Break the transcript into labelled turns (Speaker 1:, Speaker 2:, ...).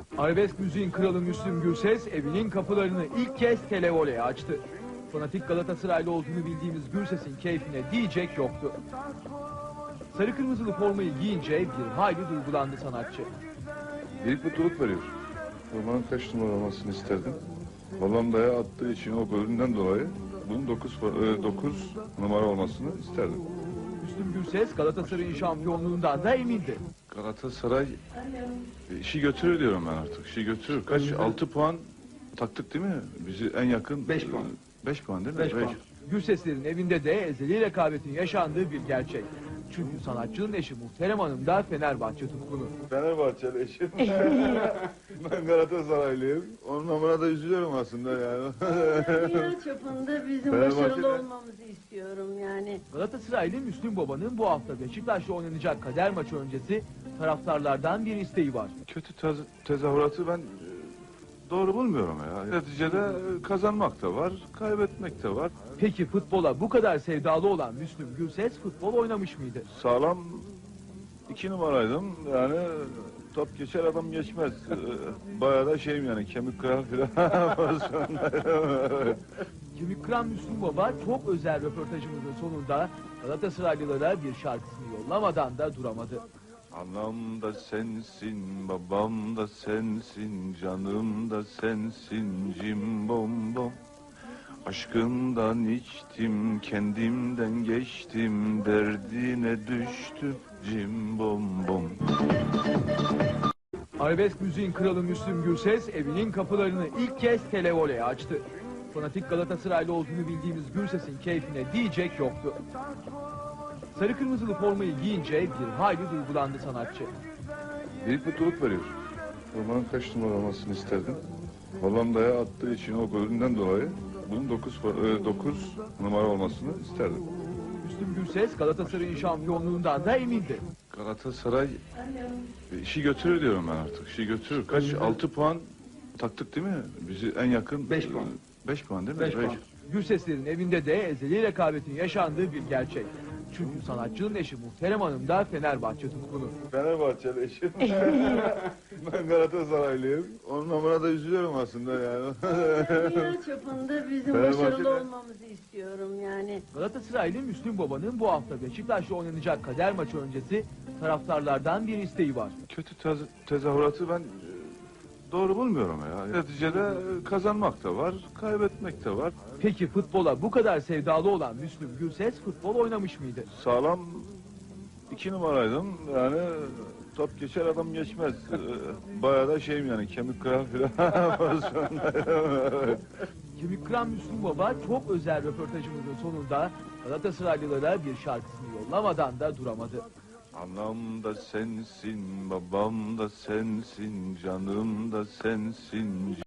Speaker 1: Arabesk müziğin kralı Müslüm Gürses evinin kapılarını ilk kez televoleye açtı. Fanatik Galatasaraylı olduğunu bildiğimiz Gürses'in keyfine diyecek yoktu. Sarı kırmızılı formayı giyince bir hayli duygulandı sanatçı.
Speaker 2: Büyük mutluluk veriyor. Formanın kaç numara olmasını isterdim. Hollanda'ya attığı için o golünden dolayı bunun 9 numara olmasını isterdim.
Speaker 1: Müslüm Gürses Galatasaray'ın şampiyonluğundan da emindi.
Speaker 2: Galatasaray işi götürür diyorum ben artık. İşi götürür. Kaç? 6 puan taktık değil mi? Bizi en yakın 5 puan. 5 puan değil mi?
Speaker 1: 5 puan. Gürseslerin evinde de ezeli rekabetin yaşandığı bir gerçek. Çünkü sanatçının eşi Muhterem Hanım da Fenerbahçe tutkunu.
Speaker 2: Fenerbahçeli eşim. Ben Galatasaraylıyım. Onun namına da üzülüyorum aslında yani.
Speaker 3: Dünya çapında bizim
Speaker 2: Fenerbahçe'de-
Speaker 3: başarılı olmamızı istiyorum yani.
Speaker 1: Galatasaraylı Müslüm Baba'nın bu hafta Beşiktaş'la oynanacak kader maçı öncesi taraftarlardan bir isteği var.
Speaker 2: Kötü tezahüratı ben doğru bulmuyorum ya. Neticede kazanmak da var, kaybetmek de var.
Speaker 1: Peki futbola bu kadar sevdalı olan Müslüm Gürses futbol oynamış mıydı?
Speaker 2: Sağlam 2 numaraydım. Yani top geçer adam geçmez. Bayağı da şeyim yani kemik kırar filan pozisyondaydım.
Speaker 1: Kemik kıran Müslüm Baba çok özel röportajımızın sonunda Galatasaraylılara bir şarkısını yollamadan da duramadı.
Speaker 2: Anam da sensin, babam da sensin, canım da sensin, cimbom bom. Aşkından içtim, kendimden geçtim, derdine düştüm, cimbom bom.
Speaker 1: Arabesk müziğin kralı Müslüm Gürses evinin kapılarını ilk kez televoleye açtı. Fanatik Galatasaraylı olduğunu bildiğimiz Gürses'in keyfine diyecek yoktu. Sarı kırmızılı formayı giyince bir hayli duygulandı sanatçı.
Speaker 2: Büyük mutluluk veriyor. Formanın kaç numara olmasını isterdim. Hollanda'ya attığı için o golünden dolayı bunun 9 numara olmasını isterdim.
Speaker 1: Müslüm Gürses Galatasaray'ın şampiyonluğundan da emindi.
Speaker 2: Galatasaray işi götürür diyorum ben artık. İşi götürür. Kaç? 6 puan taktık değil mi? Bizi en yakın 5 puan. 5 puan değil mi?
Speaker 1: 5 puan. Gürseslerin evinde de ezeli rekabetin yaşandığı bir gerçek. Çünkü sanatçının eşi Muhterem Hanım da Fenerbahçe tutkunu.
Speaker 2: Fenerbahçeli eşim. Ben Galatasaraylıyım. Onun namına da üzülüyorum aslında yani.
Speaker 3: Dünya çapında bizim
Speaker 2: Fenerbahçe'de-
Speaker 3: başarılı olmamızı istiyorum yani.
Speaker 1: Galatasaraylı Müslüm Baba'nın bu hafta Beşiktaş'la oynanacak kader maçı öncesi taraftarlardan bir isteği var.
Speaker 2: Kötü tezahüratı ben doğru bulmuyorum ya. Neticede kazanmak da var, kaybetmek de var.
Speaker 1: Peki futbola bu kadar sevdalı olan Müslüm Gürses futbol oynamış mıydı?
Speaker 2: Sağlam 2 numaraydım. Yani top geçer adam geçmez. Bayağı da şeyim yani kemik kırar filan pozisyondaydım.
Speaker 1: Kemik kıran Müslüm Baba çok özel röportajımızın sonunda Galatasaraylılara bir şarkısını yollamadan da duramadı.
Speaker 2: Anam da sensin, babam da sensin, canım da sensin.